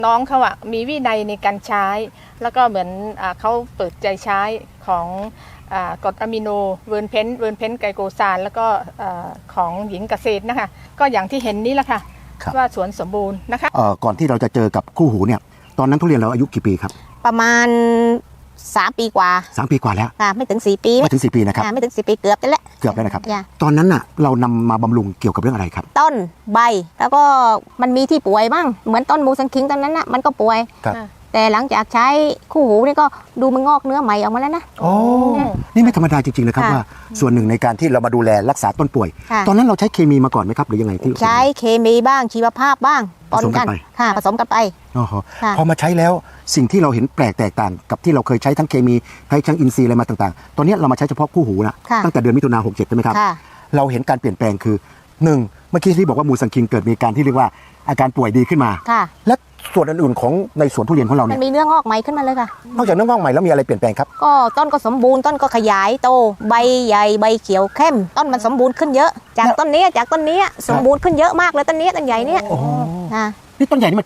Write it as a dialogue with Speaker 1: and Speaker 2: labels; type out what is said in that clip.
Speaker 1: น้องเขาอะมีวินัยในการใช้ แล้วก็เหมือนเขาเปิดใจใช้ของกรดอะมิโนเวิร์นเพนไกลโกซานแล้วก็ของหญิงเกษตรนะคะก็อย่างที่เห็นนี้แหละค่ะว่าสวนสมบูรณ์นะคะ
Speaker 2: ก่อนที่เราจะเจอกับคู่หูเนี่ยตอนนั้นทุเรียนเราอายุกี่ปีครับ
Speaker 3: ประมาณ3 ปีกว่า
Speaker 2: 3 ปีกว่าแล้ว
Speaker 3: ไม่ถึง4 ปี
Speaker 2: ไม่ถึง4 ปีนะครับ
Speaker 3: ไม่ถึง4 ปีเกือบแล้ว
Speaker 2: นะครับตอนนั้นน่ะเรานำมาบำรุงเกี่ยวกับเรื่องอะไรครับ
Speaker 3: ต้นใบแล้วก็มันมีที่ป่วยบ้างเหมือนต้นมูสังคิงตอนนั้นน่ะมันก็ป่วยแต่หลังจากใช้คู่หูนี่ก็ดูมันงอกเนื้อใหม่ออกมาแล้วนะ
Speaker 2: โอ้นี่ไม่ธรรมดาจริงๆนะครับว่าส่วนหนึ่งในการที่เรามาดูแลรักษาต้นป่วยตอนนั้นเราใช้เคมีมาก่อนไหมครับหรือยังไงที่
Speaker 3: ใช้เคมีบ้างชีวภาพบ้าง
Speaker 2: ผสมกันไป
Speaker 3: ผสมกันไป
Speaker 2: พอมาใช้แล้วสิ่งที่เราเห็นแปลกแตกต่างกับที่เราเคยใช้ทั้งเคมีใช้ทั้งอินทรีย์อะไรมาต่างๆตอนนี้เรามาใช้เฉพาะคู่หูนะตั้งแต่เดือนมิถุนายน67ใช่ไหมครับเราเห็นการเปลี่ยนแปลงคือ1เมื่อกี้ที่บอกว่ามูซังคิงเกิดมีการที่เรียกว่าอาการป่วยดีขึ้นมาและส่วนอื่นๆของในสวนทุเรียนของเราเนี่ย
Speaker 3: มันมีเนื้องอกใหม่ขึ้นมาเลยค่ะ
Speaker 2: นอกจากเนื้องอกใหม่แล้วมีอะไรเปลี่ยนแปลงครับ
Speaker 3: ก็ต้นก็สมบูรณ์ต้นก็ขยายโตใบใหญ่ใบเขียวเข้มต้นมันสมบูรณ์ขึ้นเยอะจากต้นนี้สมบูรณ์ขึ้นเยอะมากเลยต้นนี้ต้นใหญ่เนี่ย
Speaker 2: นี่ต้นใหญ่นี่มัน